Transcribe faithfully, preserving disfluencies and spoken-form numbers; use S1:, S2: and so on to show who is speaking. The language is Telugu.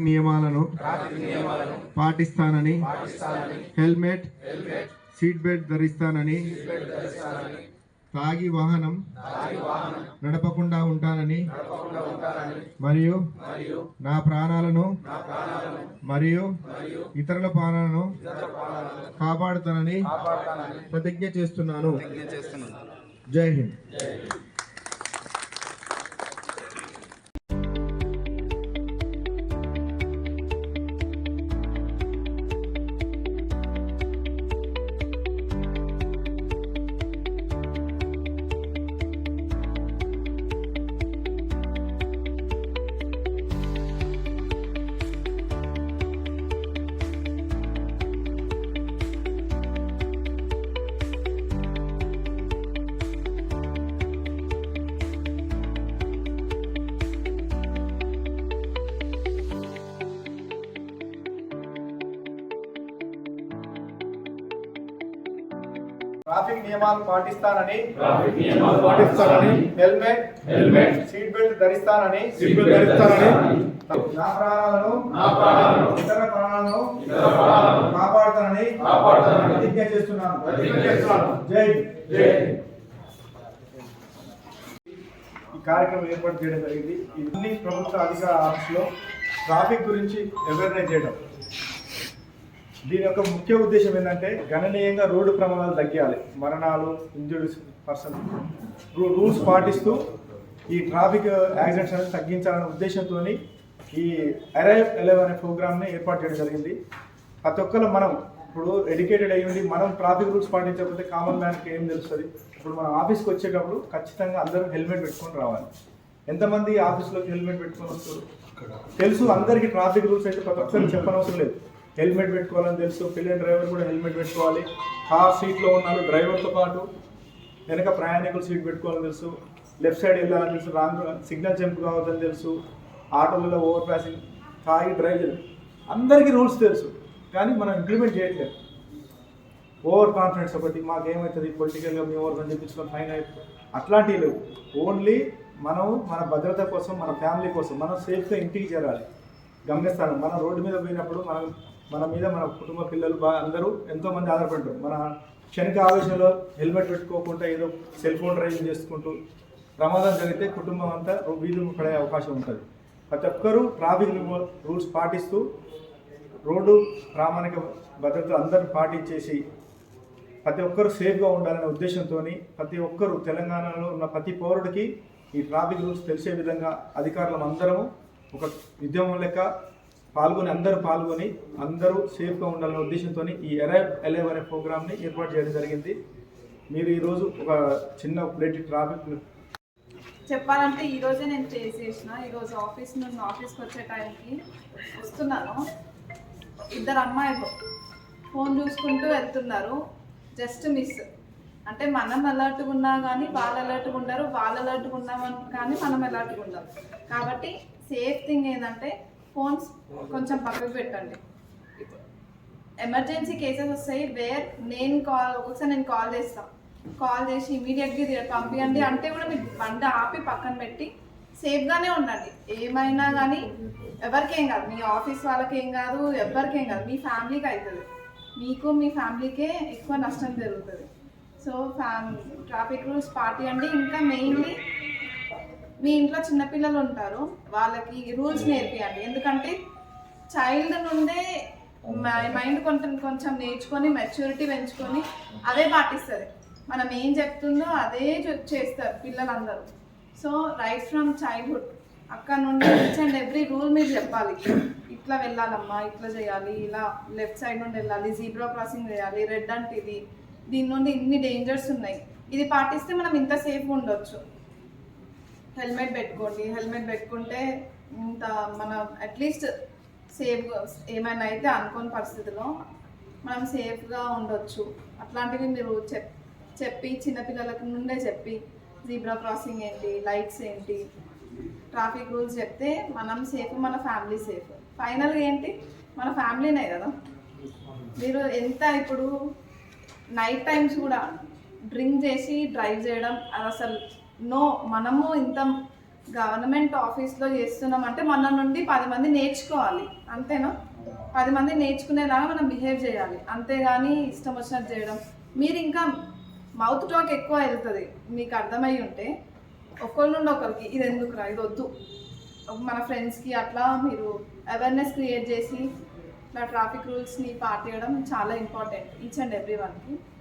S1: నియమాలను పాటిస్తానని హెల్మెట్ సీట్ బెల్ట్ ధరిస్తానని తాగి వాహనం నడపకుండా ఉంటానని మరియు నా ప్రాణాలను మరియు ఇతరుల ప్రాణాలను కాపాడుతానని ప్రతిజ్ఞ చేస్తున్నాను. జై హింద్.
S2: ట్రాఫిక్ నియమాలు పాటిస్తానని
S3: ట్రాఫిక్ నియమాలు పాటిస్తానని
S2: హెల్మెట్
S3: హెల్మెట్
S2: సీట్ బెల్ట్ ధరిస్తానని
S3: సీట్ బెల్ట్ ధరిస్తానని
S2: నా ప్రాణాలను
S3: నా ప్రాణాలను
S2: ఇతర ప్రాణాలను
S3: ఇతర ప్రాణాలను
S2: కాపాడుతానని
S3: కాపాడుతానని
S2: ప్రతిజ్ఞ చేస్తున్నాను.
S3: ప్రతిజ్ఞ చేస్తున్నాను.
S2: జై
S3: జై.
S2: ఈ కార్యక్రమం ఏర్పాటు చేయడం జరిగింది. ఇవన్నీ ప్రభుత్వ అధికార ఆఫీసులో ట్రాఫిక్ గురించి అవేర్నెస్ చేయడం. దీని యొక్క ముఖ్య ఉద్దేశం ఏంటంటే గణనీయంగా రోడ్డు ప్రమాదాలు తగ్గాలి, మరణాలు, ఇంజురీస్ పర్సన్ రూల్స్ పాటిస్తూ ఈ ట్రాఫిక్ యాక్సిడెంట్స్ అనేది తగ్గించాలనే ఉద్దేశంతో ఈ అరైవ్ ఎలెవ్ అనే ప్రోగ్రామ్ని ఏర్పాటు చేయడం జరిగింది. ప్రతి ఒక్కరు మనం ఇప్పుడు ఎడ్యుకేటెడ్ అయ్యి ఉండి మనం ట్రాఫిక్ రూల్స్ పాటించకపోతే కామన్ మ్యాన్కి ఏం తెలుస్తుంది? ఇప్పుడు మనం ఆఫీస్కి వచ్చేటప్పుడు ఖచ్చితంగా అందరూ హెల్మెట్ పెట్టుకొని రావాలి. ఎంతమంది ఆఫీస్లోకి హెల్మెట్ పెట్టుకొని వస్తారు? తెలుసు అందరికీ ట్రాఫిక్ రూల్స్ అయితే ప్రతి ఒక్కరికి చెప్పనవసరం లేదు. హెల్మెట్ పెట్టుకోవాలని తెలుసు. పిల్లల డ్రైవర్ కూడా హెల్మెట్ పెట్టుకోవాలి. కార్ సీట్లో ఉన్నారు డ్రైవర్తో పాటు వెనక ప్రయాణికులు సీట్ పెట్టుకోవాలని తెలుసు. లెఫ్ట్ సైడ్ వెళ్ళాలని తెలుసు. రాంగ్ సిగ్నల్ జంప్ కావద్దని తెలుసు. ఆటోలలో ఓవర్ పాసింగ్ తాగి డ్రైవ్ చేయడం అందరికీ రూల్స్ తెలుసు, కానీ మనం ఇంప్లిమెంట్ చేయట్లేదు. ఓవర్ కాన్ఫిడెన్స్ ఒకటి, మాకేమవుతుంది పొలిటికల్గా మేము ఓవర్ అని చెప్పించుకొని ఫైన్ అయిపోతుంది, అట్లాంటివి లేవు. ఓన్లీ మనం మన భద్రత కోసం, మన ఫ్యామిలీ కోసం మనం సేఫ్గా ఇంటికి చేరాలి. గమనిస్తాను, మన రోడ్డు మీద పోయినప్పుడు మనం మన మీద మన కుటుంబ పిల్లలు బాగా అందరూ ఎంతోమంది ఆధారపడ్డారు. మన క్షణిక ఆవేశంలో హెల్మెట్ పెట్టుకోకుండా ఏదో సెల్ ఫోన్ డ్రైవింగ్ చేసుకుంటూ ప్రమాదం జరిగితే కుటుంబం అంతా వీధులు పడే అవకాశం ఉంటుంది. ప్రతి ఒక్కరూ ట్రాఫిక్ రూల్స్ పాటిస్తూ రోడ్డు ప్రామాణిక భద్రత అందరూ పాటించేసి ప్రతి ఒక్కరూ సేఫ్గా ఉండాలనే ఉద్దేశంతో ప్రతి ఒక్కరూ తెలంగాణలో ఉన్న ప్రతి పౌరుడికి ఈ ట్రాఫిక్ రూల్స్ తెలిసే విధంగా అధికారులం అందరము ఒక ఉద్యమం లెక్క పాల్గొని అందరూ పాల్గొని అందరూ సేఫ్గా ఉండాలనే ఉద్దేశంతో ఈ అరైవ్ ఎలెవ్ అనే ప్రోగ్రామ్ని ఏర్పాటు చేయడం జరిగింది. మీరు ఈరోజు ఒక చిన్న ప్లేట్ ట్రాఫిక్
S4: చెప్పాలంటే ఈరోజే నేను చేసేసిన. ఈరోజు ఆఫీస్ నుండి ఆఫీస్కి వచ్చే టైంకి వస్తున్నాను, ఇద్దరు అమ్మాయిలు ఫోన్ చూసుకుంటూ వెళ్తున్నారు. జస్ట్ మిస్ అంటే మనం అలర్ట్గా ఉన్నా కానీ వాళ్ళు అలర్ట్గా ఉండరు, వాళ్ళు అలర్ట్గా ఉన్నామని కానీ మనం అలర్ట్గా ఉండాలి. కాబట్టి సేఫ్ థింగ్ ఏంటంటే ఫోన్స్ కొంచెం పక్కకు పెట్టండి. ఎమర్జెన్సీ కేసెస్ వస్తాయి వేర్ నేను కాల్ ఒక్కొక్కసారి నేను కాల్ చేస్తాను, కాల్ చేసి ఇమీడియట్గా పంపించండి అంటే కూడా మీరు బండి ఆపి పక్కన పెట్టి సేఫ్గానే ఉండండి. ఏమైనా కానీ ఎవరికేం కాదు, మీ ఆఫీస్ వాళ్ళకి ఏం కాదు, ఎవరికేం కాదు, మీ ఫ్యామిలీకి అవుతుంది. మీకు మీ ఫ్యామిలీకే ఎక్కువ నష్టం జరుగుతుంది. సో ఫ్యామ్ ట్రాఫిక్ రూల్స్ పాటించండి. ఇంకా మెయిన్లీ మీ ఇంట్లో చిన్నపిల్లలు ఉంటారు, వాళ్ళకి రూల్స్ నేర్పియండి. ఎందుకంటే చైల్డ్ నుండే మైండ్ కొంచెం కొంచెం నేర్చుకొని మెచ్యూరిటీ పెంచుకొని అదే పాటిస్తుంది. మనం ఏం చెప్తుందో అదే చేస్తారు పిల్లలందరూ. సో రైట్ ఫ్రమ్ చైల్డ్హుడ్ అక్కడ నుండి ఈచ్ అండ్ ఎవ్రీ రూల్ మీరు చెప్పాలి. ఇట్లా వెళ్ళాలమ్మా, ఇట్లా చేయాలి, ఇలా లెఫ్ట్ సైడ్ నుండి వెళ్ళాలి, జీబ్రా క్రాసింగ్ చేయాలి, రెడ్ అంటే ఇది, దీని నుండి ఇన్ని డేంజర్స్ ఉన్నాయి, ఇది పాటిస్తే మనం ఇంత సేఫ్గా ఉండొచ్చు. హెల్మెట్ పెట్టుకోండి, హెల్మెట్ పెట్టుకుంటే ఇంత మనం అట్లీస్ట్ సేఫ్గా ఏమైనా అయితే అనుకోని పరిస్థితిలో మనం సేఫ్గా ఉండొచ్చు. అట్లాంటివి మీరు చెప్ చెప్పి చిన్నపిల్లలకి నుండే చెప్పి జీబ్రా క్రాసింగ్ ఏంటి, లైట్స్ ఏంటి, ట్రాఫిక్ రూల్స్ చెప్తే మనం సేఫ్, మన ఫ్యామిలీ సేఫ్. ఫైనల్గా ఏంటి మన ఫ్యామిలీనే కదా. మీరు ఎంత ఇప్పుడు నైట్ టైమ్స్ కూడా డ్రింక్ చేసి డ్రైవ్ చేయడం అది అసలు నో. మనము ఇంత గవర్నమెంట్ ఆఫీస్లో చేస్తున్నాం అంటే మన నుండి పది మంది నేర్చుకోవాలి, అంతేనా? పది మంది నేర్చుకునేలాగా మనం బిహేవ్ చేయాలి, అంతేగాని ఇష్టం వచ్చినట్టు చేయడం. మీరు ఇంకా మౌత్ టాక్ ఎక్కువ వెళ్తుంది, మీకు అర్థమై ఉంటే ఒకరి నుండి ఒకరికి ఇది ఎందుకురా, ఇది వద్దు, మన ఫ్రెండ్స్కి అట్లా మీరు అవేర్నెస్ క్రియేట్ చేసి నా ట్రాఫిక్ రూల్స్ని పాటించడం చాలా ఇంపార్టెంట్ ఈచ్ అండ్ ఎవ్రీ వన్కి.